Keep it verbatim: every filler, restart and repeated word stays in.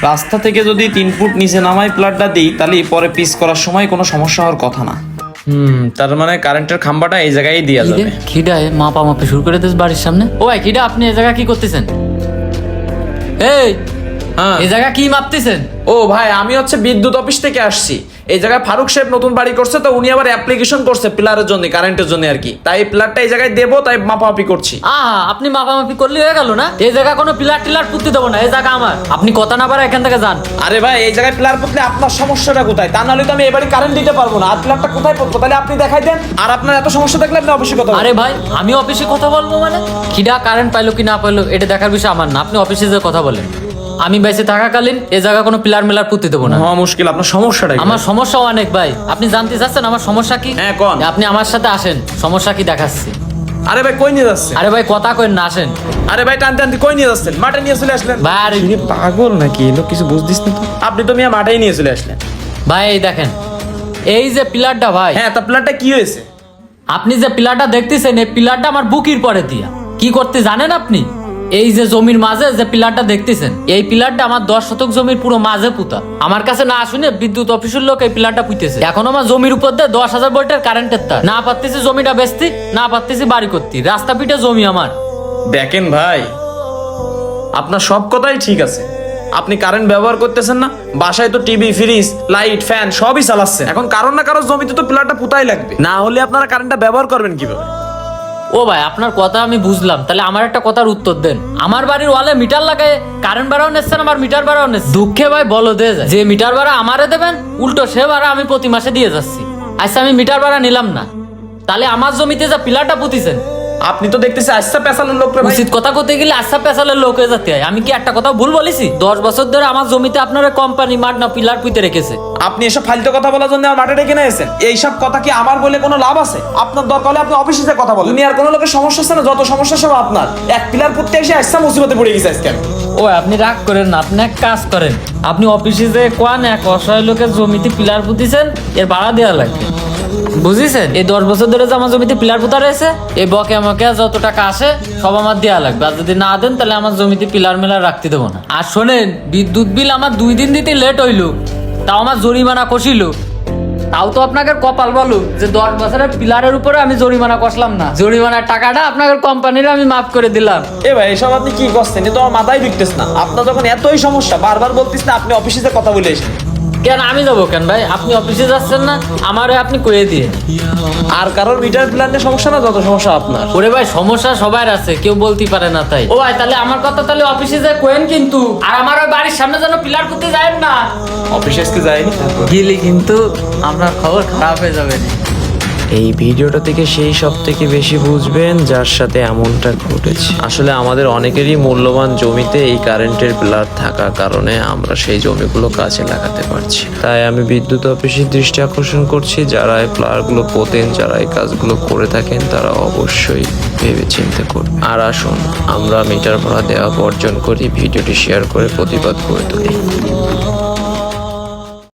রাস্তা থেকে যদি তিন ফুট নিচে নামাই প্লাগটা দিই তাহলে পরে পিস করার সময় কোনো সমস্যা হওয়ার কথা না। হুম, তার মানে কারেন্টের খাম্বাটা এই জায়গায় দেওয়া যাবে। খিডায় মাপা মাপি শুরু করে দিস বাড়ির সামনে। ও ভাই খিডা, আপনি এই জায়গা কি করতেছেন? এই হ্যাঁ, এই জায়গা কি মাপতেছেন? ও ভাই, আমি হচ্ছে বিদ্যুৎ অফিস থেকে আসছি। এই জায়গায় ফারুক সাহেব নতুন বাড়ি করছে, তো উনি আবার অ্যাপ্লিকেশন করছে পিলারের জন্য, কারেন্টের জন্য আর কি। তাই পিলারটা এই জায়গায় দেবো, তাই মাপামাপি করছি। আহা, আপনি মাপামাপি করলে হয়ে গেল না? এই জায়গা কোনো পিলার টিলার পুঁততে দেবো না, এই জায়গা আমার। আপনি কথা না পারে এখান থেকে যান। আরে ভাই, এই জায়গায় পিলার পুঁতলে আপনার সমস্যাটা কোথায়? তা নাহলে তো আমি এবারে কারেন্ট দিতে পারবো না। আর পিলারটা কোথায় পুঁতবো তাহলে আপনি দেখাই দেন। আর আপনার এত সমস্যা থাকলে আপনি অফিসে কথা বলুন। আরে ভাই, আমি অফিসে কথা বলবো মানে? খিডা কারেন্ট পাইলো কি না পাইলো এটা দেখার বিষয় আমার না, আপনি অফিসে যে কথা বলেন। আমি বেঁচে থাকাকালীন এই জায়গা কোনো পিলার মিলার পুঁতে দেবো না। হ্যাঁ, মুশকিল। আপনার সমস্যাটা কি? আমার সমস্যা অনেক ভাই, আপনি জানতে চাচ্ছেন আমার সমস্যা কি? হ্যাঁ, কোন? আপনি আমার সাথে আসেন, সমস্যা কি দেখাচ্ছি। আরে ভাই, কই নিয়ে যাচ্ছে? আরে ভাই কথা কইন না, আসেন। আরে ভাই, টানতে টানতে কই নিয়ে যাচ্ছেন? মাঠে নিয়ে চলে আসলেন। ভাই আরে পাগল নাকি? এলো কিছু বুঝদিস না তো? আপনি তো মিয়া মাঠেই নিয়ে চলে আসলেন। ভাই এই দেখেন, এই যে পিলারটা ভাই। হ্যাঁ, তা পিলারটা কি হয়েছে? আপনি যে পিলারটা দেখতেছেন, এই পিলারটা আমার বুকির পরে দিয়া। কি করতে জানেন আপনি? এই যে জমির মাঝে যে পিলারটা দেখতেছেন, এই পিলারটা আমার দশ শতক জমির পুরো মাঝে পুঁতা। আমার কাছে না শুনে বিদ্যুৎ অফিসের লোক এই পিলারটা পুঁতেছে। এখন আমার জমির উপর দিয়ে দশ হাজার ভোল্টের কারেন্টের তার। না পারতেছি জমিটা বেচতি, না পারতেছি বাড়ি করতে। রাস্তা পিঠে জমি আমার। দেখেন ভাই, আপনার সব কথাই ঠিক আছে। আপনি কারেন্ট ব্যবহার করতেছেন না, বাসায় তো টিভি, ফ্রিজ, লাইট, ফ্যান সবই চালাচ্ছেন। এখন কারণ না কারণ জমিতে তো পিলারটা পুতাই লাগবে, না হলে আপনারা কারেন্টটা ব্যবহার করবেন কিভাবে? ও ভাই, আপনার কথা আমি বুঝলাম, তাহলে আমার একটা কথার উত্তর দেন। আমার বাড়ির ওয়ালে মিটার লাগায় কারেন্ট ভাড়াও নিচ্ছেন, আমার মিটার ভাড়াও নিচ্ছেন। দুঃখে ভাই বলো দে যায় যে মিটার ভাড়া আমারে দেবেন, উল্টো সে ভাড়া আমি প্রতি মাসে দিয়ে যাচ্ছি। আচ্ছা আমি মিটার ভাড়া নিলাম না, তাহলে আমার জমিতে যা পিলারটা পুঁতিছেন। আপনি তো দেখতেছি আচ্ছা পেছালের লোক রে ভাই। উচিত কথা করতে গেলে আচ্ছা পেছালের লোক হয়ে যেতে হয়। আমি কি একটা কথা ভুল বলেছি? দশ বছর ধরে আমার জমিতে আপনারা কোম্পানি মাঠ না পিলার পুঁতে রেখেছে। আপনি এসব ফালতু কথা বলার জন্য আমার মাঠে ডেকে নিয়েছেন। এইসব কথা কি আমার বলে কোনো লাভ আছে? আপনার দরকার হলে আপনি অফিসে যে কথা বলেন। দুনিয়ার কোনো লোকের সমস্যা আছে না? যত সমস্যা সব আপনার। এক পিলার পুঁততে এসে আচ্ছা মুসিবতে পড়ে গেছে আজকে। ও আপনি রাগ করেন না, আপনি এক কাজ করেন, আপনি অফিসে যে কোন এক অসহায় লোকের জমিতে পিলার পুঁতিছেন, এর ভাড়া দেওয়া লাগবে। বুঝেছেন? এই দশ বছর ধরে যে আমার জমিতে পিলার পোতা রয়েছে, এই বকে আমাকে যত টাকা আসে সব আমার দেওয়া লাগবে। আর যদি না দেন তাহলে আমার জমিতে পিলার মিলার রাখতে দেবো না। আর শোনেন, বিদ্যুৎ বিল আমার দুই দিন দিতে লেট হইলো, তাও আমার জরিমানা কষিল। তাও তো আপনাকে কপাল বলো যে দশ বছরের পিলারের উপরে আমি জরিমানা কষলাম না। জরিমানার টাকাটা আপনাদের কোম্পানির আমি মাফ করে দিলাম। এ ভাই, এসব আপনি কি করছেন? এ তো আমার মাথায় ঢুকতেছ না। আপনার যখন এতই সমস্যা, বারবার বলতিস না আপনি অফিসে যে কথা বলে এসেছেন। কেন আমি যাবো কেন ভাই? আপনি অফিসে যাচ্ছেন না, আমারে আপনি কয়ে দিয়ে। আর কারোর মিটার প্ল্যানের সমস্যা না, যত সমস্যা আপনার। ওরে ভাই, সমস্যা সবার আছে, কেউ বলতে পারে না তাই। ও ভাই, তাহলে আমার কথা তাহলে অফিসে যায় কোয়েন কিন্তু। আর আমার ওই বাড়ির সামনে যেন পিলার করতে যায় না। অফিসে আজকে যায়নি, গেলে কিন্তু আপনার খবর খারাপ হয়ে যাবে। এই ভিডিওটা থেকে সেই সব থেকে বেশি বুঝবেন যার সাথে এমনটা ঘটেছে। আসলে আমাদের অনেকেরই মূল্যবান জমিতে এই কারেন্টের পিলার থাকার কারণে আমরা সেই জমিগুলো কাজে লাগাতে পারছি। তাই আমি বিদ্যুৎ অফিসের দৃষ্টি আকর্ষণ করছি, যারা এই পিলারগুলো পোতেন, যারা এই কাজগুলো করে থাকেন, তারা অবশ্যই ভেবে চিন্তে করবে। আর আসুন আমরা মিটার ভাড়া দেওয়া বর্জন করি, ভিডিওটি শেয়ার করে প্রতিবাদ করে তুলি।